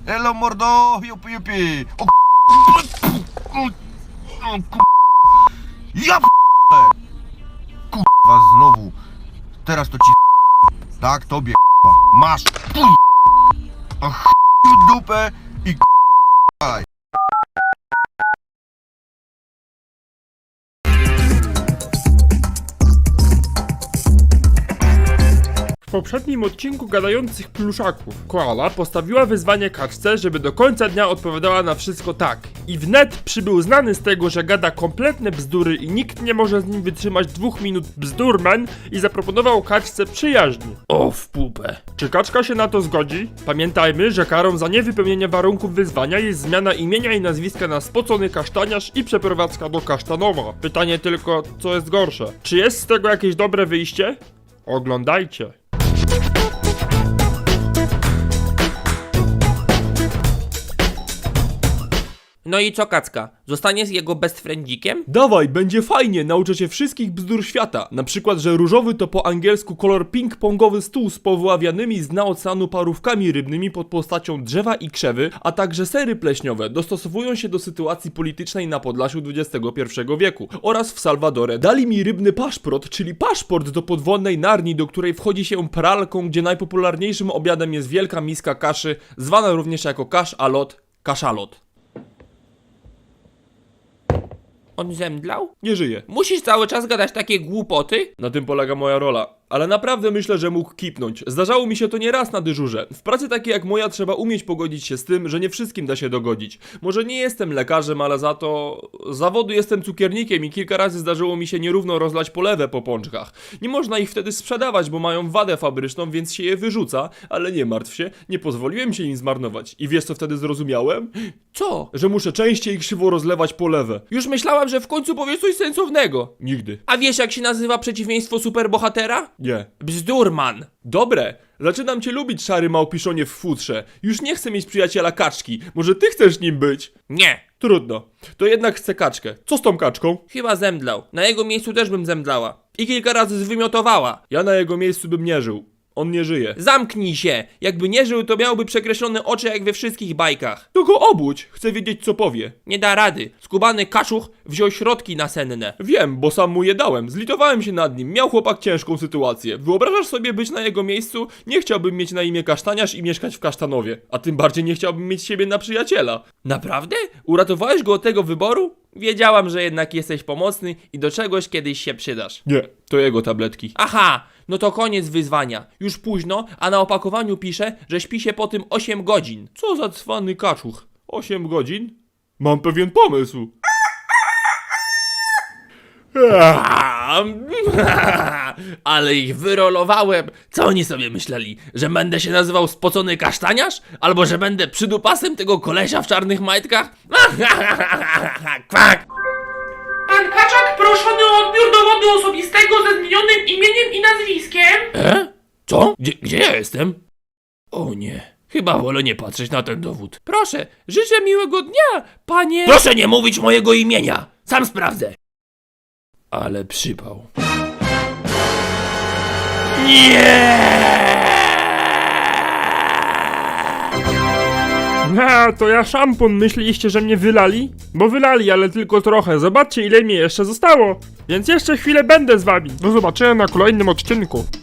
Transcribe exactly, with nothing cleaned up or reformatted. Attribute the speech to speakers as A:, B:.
A: Elo mordo, jupi jupi. O k***a. O k***a. Ja p***e. Kurwa znowu. Teraz to ci tak, tobie k***a. Masz. A ch*** w dupę i k***aj.
B: W poprzednim odcinku gadających pluszaków koala postawiła wyzwanie kaczce, żeby do końca dnia odpowiadała na wszystko tak. I wnet przybył znany z tego, że gada kompletne bzdury i nikt nie może z nim wytrzymać dwóch minut bzdurman i zaproponował kaczce przyjaźni. O w pupę. Czy kaczka się na to zgodzi? Pamiętajmy, że karą za niewypełnienie warunków wyzwania jest zmiana imienia i nazwiska na spocony kasztaniarz i przeprowadzka do Kasztanowa. Pytanie tylko, co jest gorsze? Czy jest z tego jakieś dobre wyjście? Oglądajcie.
C: No i co, Kacka? Zostaniesz jego best friendzikiem?
B: Dawaj, będzie fajnie, nauczę cię wszystkich bzdur świata. Na przykład, że różowy to po angielsku kolor ping-pongowy stół z powyławianymi z dna oceanu parówkami rybnymi pod postacią drzewa i krzewy, a także sery pleśniowe dostosowują się do sytuacji politycznej na Podlasiu dwudziestego pierwszego wieku oraz w Salwadorze. Dali mi rybny paszport, czyli paszport do podwodnej Narni, do której wchodzi się pralką, gdzie najpopularniejszym obiadem jest wielka miska kaszy, zwana również jako kasz-alot, kaszalot.
C: On zemdlał?
B: Nie żyje.
C: Musisz cały czas gadać takie głupoty?
B: Na tym polega moja rola. Ale naprawdę myślę, że mógł kipnąć. Zdarzało mi się to nie raz na dyżurze. W pracy takiej jak moja trzeba umieć pogodzić się z tym, że nie wszystkim da się dogodzić. Może nie jestem lekarzem, ale za to z zawodu jestem cukiernikiem i kilka razy zdarzyło mi się nierówno rozlać polewę po pączkach. Nie można ich wtedy sprzedawać, bo mają wadę fabryczną, więc się je wyrzuca, ale nie martw się, nie pozwoliłem się im zmarnować. I wiesz co wtedy zrozumiałem?
C: Co?
B: Że muszę częściej krzywo rozlewać polewę.
C: Już myślałam, że w końcu powiesz coś sensownego.
B: Nigdy.
C: A wiesz, jak się nazywa przeciwieństwo superbohatera?
B: Nie.
C: Bzdurman.
B: Dobre, zaczynam cię lubić, szary małpiszonie w futrze. Już nie chcę mieć przyjaciela kaczki. Może ty chcesz nim być?
C: Nie.
B: Trudno. To jednak chcę kaczkę. Co z tą kaczką?
C: Chyba zemdlał. Na jego miejscu też bym zemdlała. I kilka razy zwymiotowała.
B: Ja na jego miejscu bym nie żył. On nie żyje.
C: Zamknij się! Jakby nie żył, to miałby przekreślone oczy jak we wszystkich bajkach.
B: To go obudź. Chcę wiedzieć, co powie.
C: Nie da rady. Skubany kaczuch wziął środki nasenne.
B: Wiem, bo sam mu je dałem. Zlitowałem się nad nim. Miał chłopak ciężką sytuację. Wyobrażasz sobie być na jego miejscu? Nie chciałbym mieć na imię Kasztaniarz i mieszkać w Kasztanowie. A tym bardziej nie chciałbym mieć siebie na przyjaciela.
C: Naprawdę? Uratowałeś go od tego wyboru? Wiedziałam, że jednak jesteś pomocny i do czegoś kiedyś się przydasz.
B: Nie, to jego tabletki.
C: Aha, no to koniec wyzwania. Już późno, a na opakowaniu pisze, że śpi się po tym osiem godzin.
B: Co za cwany kaczuch? osiem godzin? Mam pewien pomysł.
C: Ale ich wyrolowałem. Co oni sobie myśleli? Że będę się nazywał spocony kasztaniarz? Albo że będę przydupasem tego kolesia w czarnych majtkach? Kwak!
D: Pan Kaczak proszony o odbiór dowodu osobistego ze zmienionym imieniem i nazwiskiem.
C: E? Co? Gdzie, gdzie ja jestem? O nie. Chyba wolę nie patrzeć na ten dowód. Proszę, życzę miłego dnia, panie... Proszę nie mówić mojego imienia. Sam sprawdzę. Ale przypał.
B: A, to ja szampon. Myśleliście, że mnie wylali? Bo wylali, ale tylko trochę. Zobaczcie, ile mi jeszcze zostało. Więc jeszcze chwilę będę z wami. Do zobaczenia na kolejnym odcinku.